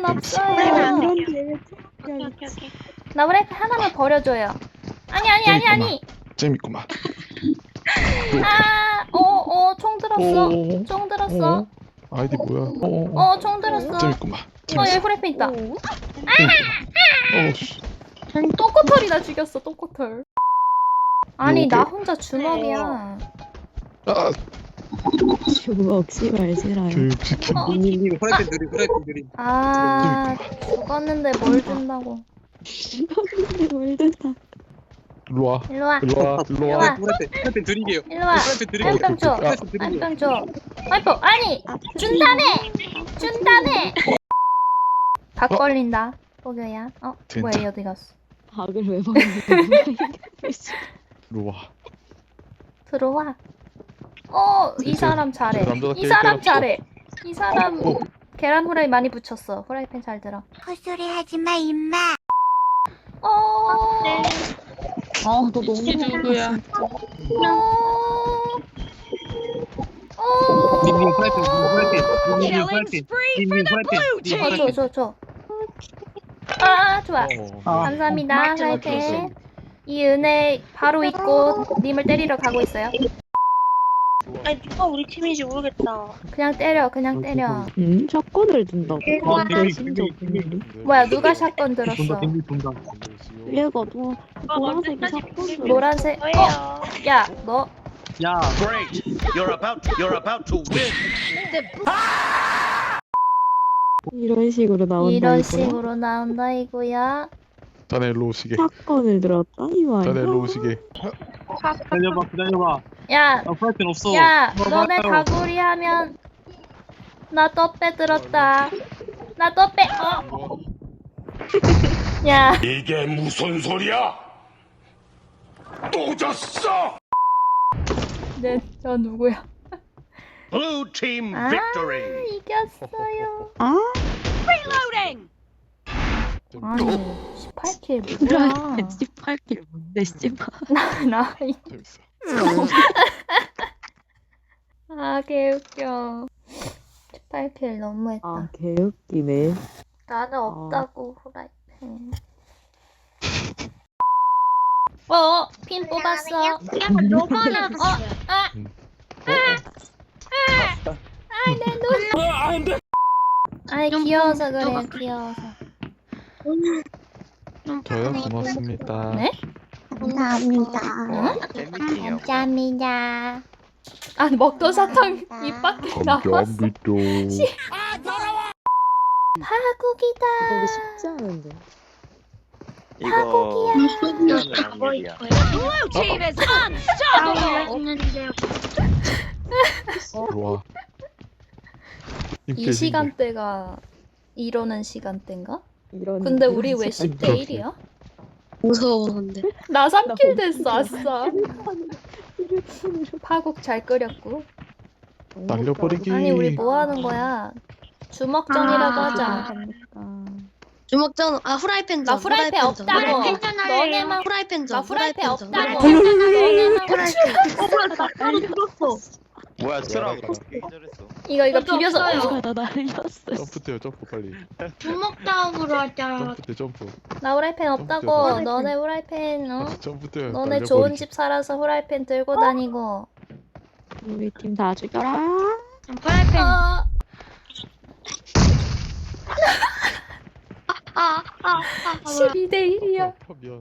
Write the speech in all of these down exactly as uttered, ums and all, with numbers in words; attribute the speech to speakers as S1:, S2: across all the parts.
S1: 없어요.
S2: 오케이 오케이 오케이.
S1: 나 후라이팬 하나만 버려줘요. 아니 아니 아니 아니.
S3: 재밌구만.
S1: 아, 어, 어, 총 들었어.
S3: 오.
S1: 총 들었어.
S3: 어. 아이디 뭐야? 어. 어.
S1: 어, 총 들었어.
S3: 재밌구만.
S1: 어, 여기
S3: 재밌어.
S1: 후라이팬 있다.
S3: 어. 씨.
S1: 똥꼬털이 나 죽였어, 똥꼬털. 아니,
S3: 요게-
S1: 나 혼자 주먹이야.
S3: 아,
S2: 주먹 씨발 지랄.
S3: 교육시킨.
S1: 어.
S4: 님 후라이팬 드림 후라이팬 드림.
S1: 아, 죽었는데 뭘 준다고.
S2: 근데 뭘 듣다.
S3: 일로 와.
S1: 일로 와.
S3: 일로 와. 일로
S1: 와.
S3: 와.
S4: 후라이팬 후라이팬 드릴게요.
S1: 일로 와.
S4: 후라이팬 드릴게요.
S1: 화염병 줘.
S4: 후라이팬 드릴게요.
S1: 화염병 줘. 화염병, 아니! 준다며! 준다며! 각 걸린다. 뽀교야. 어,
S3: 진짜.
S1: 뭐야, 얘 어디 갔어?
S2: 박을 왜 먹는
S3: 일로 와.
S1: 들어와. 어, 이
S3: 이제
S1: 사람 잘해.
S3: 남자답게
S1: 이 사람
S3: 때렸어.
S1: 잘해. 이 사람
S3: 어.
S1: 계란 후라이 많이 붙였어. 후라이팬 잘 들어.
S5: 헛소리 하지 마, 임마.
S1: 어.
S2: 아, 너 너무
S6: 누구야?
S1: 어. 어.
S4: 님 후라이팬 후라이팬 님 후라이팬 님 후라이팬.
S1: 어, 줘, 줘, 줘. 아, 좋아.
S3: 어.
S1: 감사합니다, 후라이팬. 이 은혜 바로 잊고 님을 때리러 가고 있어요.
S6: 아니 누가 우리 팀인지 모르겠다.
S1: 그냥 때려, 그냥 때려.
S2: 음, 샷건을 든다고.
S4: 아, 댕기
S2: 심지어
S4: 댕기 댕기.
S1: 뭐야, 누가 샷건 들었어?
S4: 돈다 댕기 돈다.
S2: 얘가 너
S6: 아,
S2: 보라색이
S6: 언제까지
S2: 샷건을.
S1: 노란색.
S6: 거예요.
S1: 어, 야, 너
S4: 야.
S7: Great! You're about you're about to win.
S2: 이런 식으로 나온다.
S1: 이런
S2: 이거야?
S1: 식으로 나온다 이거야.
S3: 자네 일로 오시게.
S2: 샷건을 들었다 이 말이야.
S3: 자네 일로 오시게.
S4: 기다려봐 기다려봐.
S1: 야,
S4: 나 후라이팬 없어.
S1: 야,
S4: 뭐
S1: 너네
S4: 봐요.
S1: 가구리 하면 나 떡배 들었다. 나 떡배. 어, 야,
S7: 이게 무슨 소리야? 또 졌어!
S1: 네, 저 누구야?
S7: Blue team
S1: 아,
S7: victory.
S1: 이겼어요.
S2: 아,
S1: 아니, 십팔 킬 뭐야?
S2: 십팔 킬 뭔데 씨발.
S1: 나, 나, 이-
S3: 재밌어.
S1: 아, 개웃겨. 십팔 킬 너무했다.
S2: 아, 개웃기네.
S1: 나는 없다고, 후라이팬. 어, 핀 뽑았어.
S6: 야, 너만
S1: 어, 아,
S3: 음.
S1: 아이, 내 눈. 아이, 귀여워서 그래요, 귀여워서.
S3: 저요? 고맙습니다.
S1: 네?
S5: 감사합니다.
S1: 감사합니다. 아, 먹던 사탕 입 밖에 나왔어.
S3: 감사합니다.
S1: 파국이다.
S2: 이거 쉽지 않은데.
S1: 파국이야.
S3: 일로 와.
S1: 이 시간대가 이러는 시간대인가?
S2: 이런.
S1: 근데 우리 왜
S2: 이런
S1: 십 대 일이야?
S6: 무서워 근데.
S1: 나 삼 킬 됐어, 아싸.
S2: 휴대폰으로.
S1: 파국 잘 끓였고.
S3: 날려버리기.
S1: 아니, 우리 뭐 하는 거야? 주먹전이라고 하자.
S6: 주먹전 아 후라이팬
S1: 나
S6: 전.
S1: 후라이팬 없다고. 너네만
S6: 후라이팬
S1: 나
S6: 전.
S1: 후라이팬
S6: 전.
S1: 없다고. 너네만
S8: 뭐야 트라고
S1: 이거 이거
S6: 저도
S1: 비벼서
S6: 없어요.
S2: 누가 나 날렸어.
S3: 점프 뛰어 점프 빨리.
S6: 주먹 다음으로 하자.
S3: 점프 뛰어 점프.
S1: 나 후라이팬 없다고.
S3: 후라이팬.
S1: 너네 후라이팬 어?
S3: 점프 뛰어.
S1: 너네
S3: 날려버리기.
S1: 좋은 집 살아서 후라이팬 들고 다니고.
S2: 우리 팀 다 죽여라.
S6: 후라이팬.
S1: 어,
S6: 아아아 아.
S1: 십이 대 일이야.
S3: 펴면.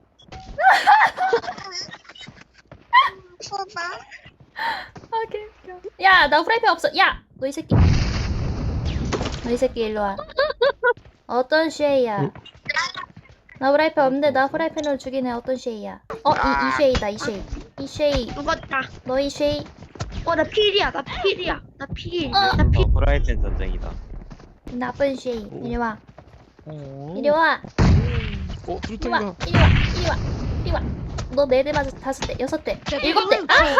S1: 아, 개웃겨. 야, 나 후라이팬 없어. 야, 너 이 새끼. 너 이 새끼 일로 와. 어떤 쉐이야? 나 후라이팬 없는데 나 후라이팬으로 죽이네. 어떤 쉐이야? 어, 이, 이 쉐이다, 이 쉐이. 이 쉐이.
S6: 죽었다.
S1: 너 이 쉐이.
S6: 어나 필이야. 나 필이야. 나 필.
S1: 어.
S6: 나 필.
S8: 어, 프라이팬 전쟁이다.
S1: 나쁜 쉐이. 이리 와. 이리 와.
S3: 어
S1: 이리 와.
S3: 수류탄이다.
S1: 이리 와. 이리 와. 이리 와. 너 네 대 맞아. 다섯 대, 여섯 대, 일곱 대. 아하!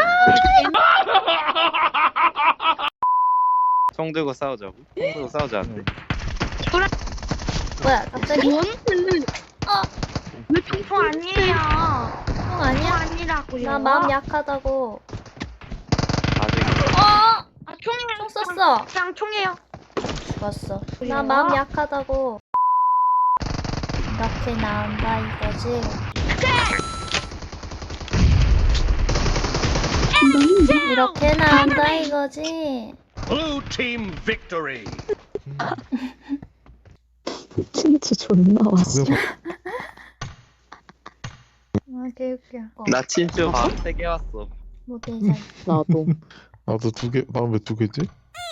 S8: 총 들고 싸우자고? 총 들고 싸우자.
S1: 뭐야, 갑자기?
S6: 뭔?
S1: 어,
S6: 왜 총포 아니에요?
S1: 형
S6: 총
S1: 아니야?
S6: 아니라고요.
S1: 나 마음 약하다고.
S8: 아직
S1: 어!
S6: 아 총이에요.
S1: 총 썼어.
S6: 그냥 총이에요.
S1: 죽었어. 나 마음 약하다고. 이렇게 나온다 이거지. 이렇게 나온다 이거지.
S7: Blue team victory.
S2: 진짜 존나 왔어.
S3: 그래서
S1: 아 개웃겨. 어,
S8: 나 진짜 밤세개 왔어.
S1: 모델상.
S2: 나도.
S3: 나도 두 개, 난 왜 두 개지?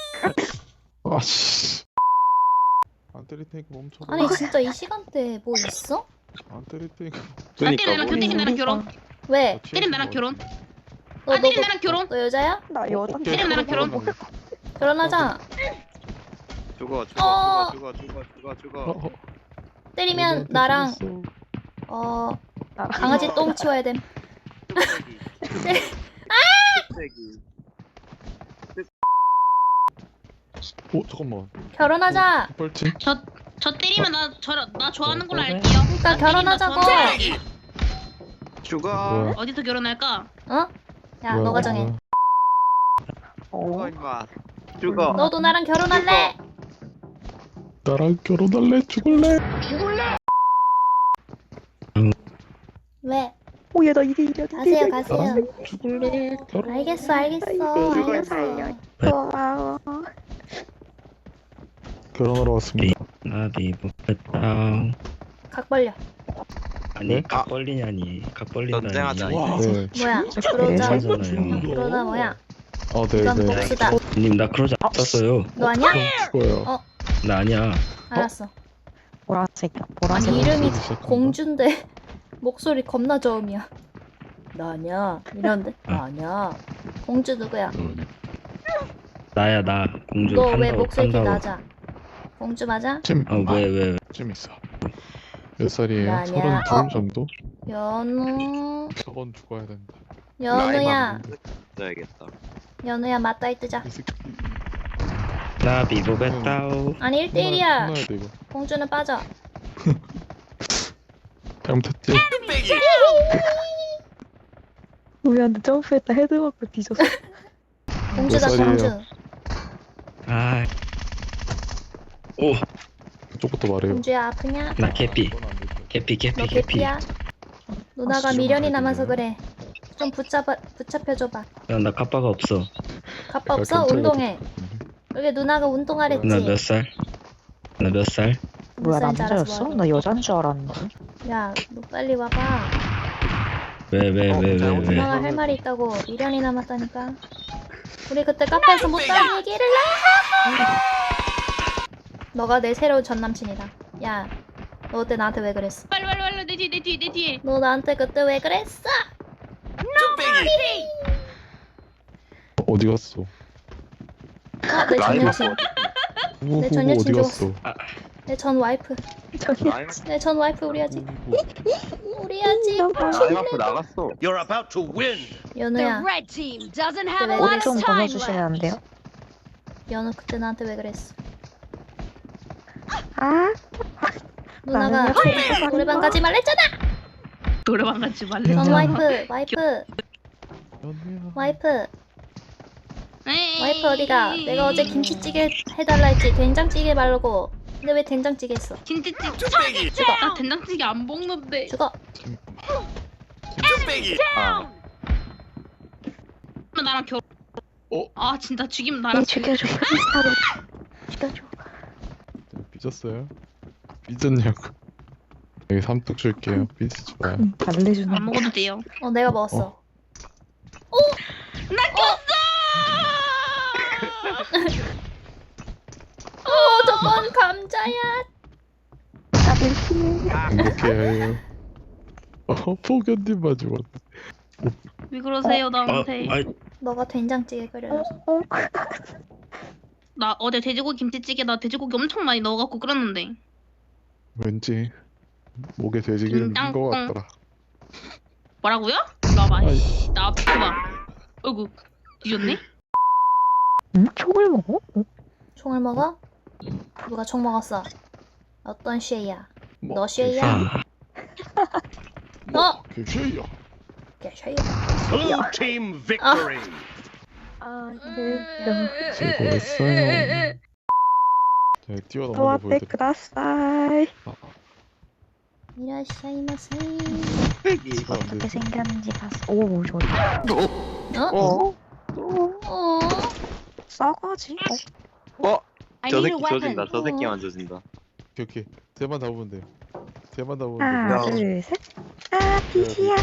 S3: 아씨. 안 때릴 테니까 멈춰.
S1: 아니 진짜 이 시간대에 뭐 있어?
S3: 안 때릴 테니까.
S8: 그러니까
S6: 나랑
S8: 뭐
S6: 때린 나랑 결혼.
S1: 왜?
S6: 때린 나랑 결혼.
S1: 너,
S6: 아,
S1: 너,
S6: 때린
S1: 너,
S6: 나랑 결혼.
S1: 너 여자야?
S2: 나 여자.
S6: 때리면 나랑 결혼.
S1: 결혼하자.
S8: 죽어
S1: 어.
S8: 죽어 죽어 죽어 죽어 죽어.
S3: 어, 어,
S1: 때리면
S3: 너한테
S1: 나랑
S3: 죽었어.
S1: 어
S2: 나랑
S1: 강아지 똥 치워야 됨.
S8: 뚝배기.
S3: 오 잠깐만.
S1: 결혼하자.
S3: 뻘침.
S6: 저 저 때리면 나 저 나 좋아하는 걸로
S3: 어,
S6: 알게요.
S1: 그러니까 결혼하자고.
S8: 죽어.
S3: 뭐야?
S6: 어디서 결혼할까?
S1: 어? 야
S3: 뭐야,
S1: 너가 정해.
S3: 뭐야.
S8: 죽어 임마. 죽어.
S1: 너도 나랑 결혼할래?
S3: 나랑 결혼할래? 죽을래?
S1: 왜?
S2: 오, 얘 나 이대 일이야.
S1: 가세요 가세요.
S3: 나랑 죽을래? 결혼.
S1: 알겠어 알겠어
S2: 이거
S1: 알겠어.
S2: 고마워.
S3: 결혼하러 왔습니다.
S9: 나비 못했다.
S1: 각 벌려.
S9: 아니
S3: 네?
S9: 각 벌리냐니 각 벌린다니.
S8: 전쟁하자.
S3: 와, 네.
S1: 뭐야? 그러자.
S9: 괜찮잖아요.
S1: 그러자 뭐야?
S3: 아, 네,
S1: 이건
S3: 네.
S1: 복수다.
S9: 님 나 크로자 썼어요.
S1: 너 아니야?
S3: 죽어요.
S1: 어.
S9: 나 아니야.
S1: 알았어.
S2: 보라색이야.
S1: 아니
S2: 보라색.
S1: 이름이
S3: 시작한다.
S1: 공주인데 목소리 겁나 저음이야. 나 아니야. 이런데? 나 아니야. 공주 누구야?
S9: 나야 나 공주
S1: 너 왜
S9: 판다고
S1: 목소리 이렇게
S9: 판다고.
S1: 낮아? 공주 맞아?
S3: 찜.
S9: 어왜 왜 왜?
S3: 찜 있어. 몇 살이에요?
S1: 나 아니야.
S3: 서른
S1: 어.
S3: 둘 정도?
S1: 연우.
S3: 저건 죽어야 된다.
S1: 연우야.
S8: 써야겠다.
S1: 연우야 맞다이 뜨자.
S3: 이 새끼.
S9: 나비 못했다오.
S1: 아니 일 대 일이야.
S3: 혼나야 돼 이거.
S1: 공주는 빠져.
S3: 잘못했지?
S2: 우리한테 점프했다 헤드 맞고 뒤졌어.
S1: 공주다
S3: 몇 살이에요?
S1: 공주.
S9: 아. 오.
S3: 그쪽부터 말해요.
S1: 공주야 아프냐?
S9: 나 개피.
S3: 그건 안 되죠.
S9: 개피 개피
S1: 너
S9: 개피.
S1: 개피야? 누나가
S3: 아, 진짜
S1: 미련이
S3: 잘
S1: 남아서
S3: 들려요.
S1: 그래. 좀 붙잡아 붙잡혀줘봐.
S9: 야나 카빠가 없어.
S1: 갑바 없어?
S3: 경찰
S1: 운동해.
S3: 같은
S1: 여기 누나가 운동하랬지.
S9: 나 몇 살? 나 몇 살?
S1: 몇
S2: 뭐야
S1: 살인지 알아서
S2: 남자였어?
S1: 말해.
S2: 나 여자인 줄 알았는데.
S1: 야, 너 빨리 와봐.
S9: 왜 왜 왜 왜 왜?
S1: 누나가 할 말이 있다고. 미련이 남았다니까. 우리 그때 카페에서 못다한 얘기를 해. 너가 내 새로운 전 남친이다. 야, 너 그때 나한테 왜 그랬어?
S6: 빨리 빨리 빨리 내 뒤에 내 뒤에 내 뒤에.
S1: 너 나한테 그때 왜 그랬어?
S3: 어디 갔어?
S1: 어, 내 전 여친.
S3: 우후,
S1: 내 전
S3: 어디
S1: 여친
S3: 갔어?
S1: 내 전 와이프.
S2: 저기
S8: 아이
S1: 내 전 와이프 우리 아직.
S3: 우후.
S1: 우리 아직.
S8: 아이 앞으로 나갔어.
S7: You're about to win.
S1: 연우야,
S10: red team doesn't have
S1: 왜
S10: a lot
S2: 옷 좀
S10: of time
S2: 벗어주시면 안
S10: left.
S2: 돼요?
S1: 연우 그때 나한테 왜 그랬어?
S2: 아?
S1: 누나가
S2: 나는요?
S1: 조- 노래방 가지 말랬잖아.
S6: 노래방 같이 말래.
S1: 전 와이프, 와이프,
S3: 연우야.
S1: 와이프. 와이프 어디가? 내가 어제 김치찌개 해달라 했지. 된장찌개 말고. 근데 왜 된장찌개 했어?
S6: 김치찌개. 죽어. 나 된장찌개 안 먹는데.
S1: 죽어.
S8: 아.
S6: 나랑 결혼.
S3: 어?
S6: 아 진짜 죽이면
S2: 얘
S6: 나랑
S2: 죽여줘. 스타로 죽여줘.
S3: 삐졌어요? 삐졌냐고. 여기 삼뚝 줄게요. 삐지지 마요.
S2: 응, 달래주는
S6: 안 먹어도 돼요.
S1: 어, 내가 먹었어.
S3: 어.
S1: 어, 저건 감자야.
S2: 나를 피해.
S3: 행복해야 해요. 어, 포견님만 죽었네.
S6: 왜 그러세요
S9: 아,
S6: 나한테?
S9: 아이
S1: 너가 된장찌개 끓여줘서.
S2: 어?
S6: 나 어제 돼지고기 김치찌개 나 돼지고기 엄청 많이 넣어갖고 끓였는데.
S3: 왠지 목에 돼지기름
S6: 음,
S3: 낀거
S6: 땅콩.
S3: 같더라.
S6: 뭐라고요? 나봐.
S3: 아이.
S6: 나 봐봐. 어이구 뒤졌네?
S2: 응? 총을 먹어? 어?
S1: 총을 먹어? 누가 총 먹었어? 어떤 쉐이야?
S3: 뭐,
S1: 너 쉐이야?
S9: 아,
S1: 너?
S3: 그 쉐이야.
S1: 걔 쉐이야.
S7: Blue team victory.
S2: 아, 네.
S3: 수고했어요. 자, 뛰어넘는 거
S2: 또아떼
S3: 보여드릴게요.
S2: 그다사이.
S3: 아,
S1: 이라샤이마사이.
S3: 아, 안
S2: 어떻게
S3: 돼.
S2: 생겼는지 봤어. 오, 좋다.
S1: 어?
S2: 어?
S1: 어?
S2: 싸가지?
S8: 어?
S6: I
S8: 저
S6: need a
S8: 새끼
S6: weapon.
S8: 조진다. 저
S1: 어.
S8: 새끼만 조진다.
S3: 오케이, 오케이. 쟤만 잡으면 돼요. 쟤만 잡으면
S2: 하나,
S3: 돼요.
S2: 둘, 셋. 아, 비지야.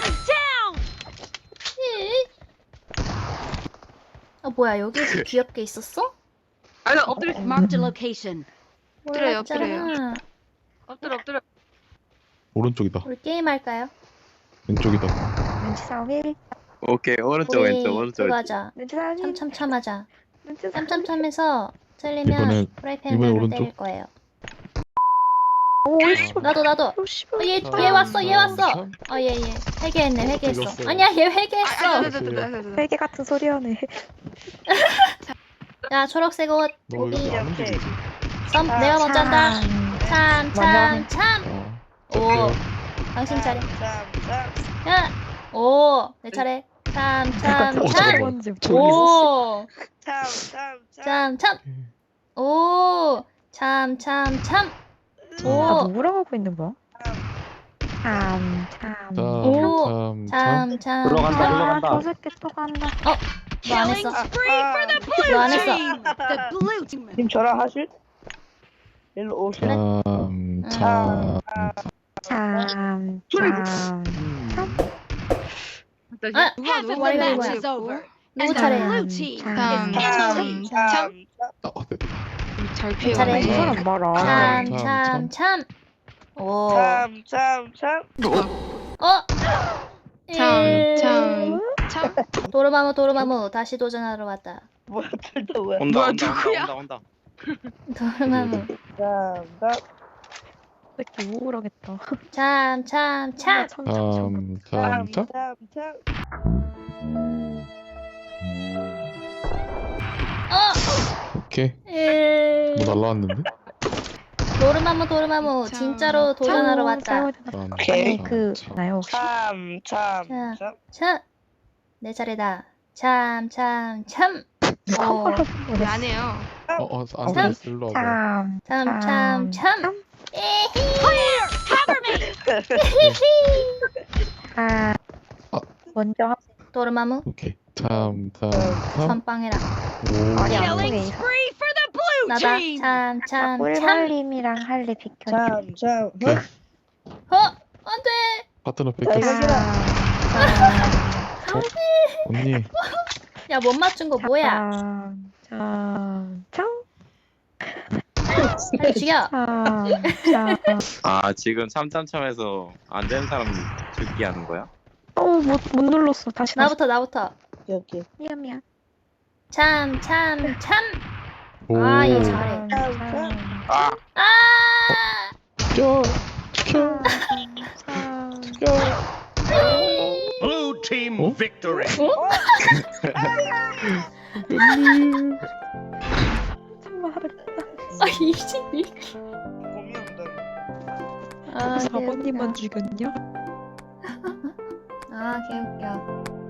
S1: 아 뭐야 여기서 귀엽게 있었어?
S2: 어,
S10: Marked a location.
S1: 몰랐잖아.
S10: 엎드려요. 엎드려 엎드려.
S3: 오른쪽이다.
S1: 우리 게임 할까요?
S3: 왼쪽이다.
S2: 눈치 싸움이.
S8: 오케이 오른쪽
S1: 우리
S8: 왼쪽 오른쪽
S1: 그거
S8: 왼쪽.
S1: 하자.
S2: 눈치 싸움이.
S1: 참참참하자.
S2: 눈치 싸움이.
S1: 참참참해서 틀리면
S3: 이번엔-
S1: 프라이팬
S3: 이번엔
S1: 으로
S3: 오른쪽.
S1: 때릴 거예요.
S2: 오, 씨발.
S1: 나도 나도.
S2: 오, 씨발.
S1: 어, 얘,
S3: 참,
S1: 얘 왔어 얘 왔어.
S3: 참.
S1: 어 얘 얘. 회개했네 회개했어.
S3: 어떻게
S1: 아니야 얘
S10: 아,
S1: 회개했어.
S2: 세계 같은 소리 하네.
S1: 야 초록색 옷.
S3: 너
S1: 고기.
S3: 이거 안 움직이지?
S1: 썸 내가 먼저 한다. 참
S2: 먼저
S1: 참
S2: 하네.
S1: 참.
S3: 어.
S1: 오. 당신 차례. 야. 오. 내 차례. 참 참
S3: 어,
S1: 참.
S3: 잠깐만.
S2: 뭔지
S1: 오.
S4: 참, 참, 참.
S1: 참 참. 오. 참 참 참.
S2: 아,
S1: 오.
S2: 뭐라고 하고 있는 거야? 참, 참.
S3: 참,
S1: 오.
S3: 참, 참.
S1: 참 참.
S8: 올라간다,
S1: 참.
S8: 올라간다.
S2: 아, 저 새끼 또 간다.
S1: 너 안 했어. 너 안 했어.
S10: The blue team.
S4: 팀 저랑 하실? 일로 오실?
S3: 참, 참.
S2: 참, 참.
S1: 아,
S10: Half of
S1: 뭐야,
S10: the
S1: 이거
S10: match
S1: 뭐야.
S10: is over.
S1: 누구
S10: And the
S1: 차례야?
S10: blue team
S2: 참,
S10: is
S4: 참,
S10: victorious.
S4: 참,
S3: 아, 됐다.
S10: 잘
S1: 내 차례.
S2: 이 사람 봐라.
S1: 참
S3: 참,
S1: 참 참. 오.
S4: 참, 참, 참.
S1: 어. 예.
S10: 참, 참.
S1: 도르마무 도르마무 다시 도전하러 왔다.
S4: 뭐야, 둘다 뭐야?
S8: 온다
S10: 뭐야,
S8: 온다
S10: 누구야?
S8: 온다 온다 온다.
S1: 도르마무.
S4: 참, 참.
S2: 새끼 우울하겠다.
S1: 참 참 참.
S2: 참, 참, 참.
S3: 참, 참, 참.
S4: 참, 참.
S1: 어.
S3: 오케이.
S1: 예.
S3: 뭐 날라왔는데?
S1: 도르마무 도르마무
S10: 참,
S1: 진짜로 도전하러 왔다.
S2: 싸워야 되나?
S3: 참,
S4: 오케이.
S3: 참,
S2: 그,
S3: 참.
S2: 나요, 혹시?
S4: 참, 참,
S1: 자.
S4: 참.
S1: 참. 내 차례다. 참 참 참. 어.
S10: 안 해요.
S3: 어, 어, 안
S1: 참.
S3: 돼. 일로 와봐.
S2: 참,
S1: 참 참 참. 에히.
S2: 아.
S3: 아.
S2: 먼저 하-
S1: 도르마무
S3: 오케이. 참, 참, 참.
S1: 선빵해라.
S3: 오.
S2: 아니, 안
S10: Killing
S2: 돼.
S10: spree for the blue
S1: 나다.
S10: team.
S1: 참 참 참.
S2: 꿀벌님이랑 할래 비켜줘.
S4: 참, 참.
S3: 오케이.
S1: 어 안돼.
S3: 파트너
S4: 자,
S3: 뺏겼어.
S4: 이거
S3: 어? 언니.
S1: 야 못 맞춘 거 뭐야?
S2: 참, 참, 참,
S1: 빨리 죽여.
S2: 참, 참.
S8: 아 지금 참참참해서 안 되는 사람 죽기 하는 거야?
S2: 어, 못, 못 눌렀어. 다시, 다시.
S1: 나부터 나부터.
S4: 여기.
S2: 미안, 미안.
S1: 참 참 참.
S3: 오.
S1: 아, 얘 잘해.
S2: 참,
S8: 아
S1: 아.
S3: 켜, 켜,
S2: 참,
S3: 켜.
S7: Blue team
S3: 어?
S7: victory.
S3: 언니.
S2: 참만 하려.
S1: 아 이십이.
S4: 고민한다.
S1: 아
S2: 사 번님만
S1: 개웃겨.
S2: 죽였냐?
S1: 아 개웃겨.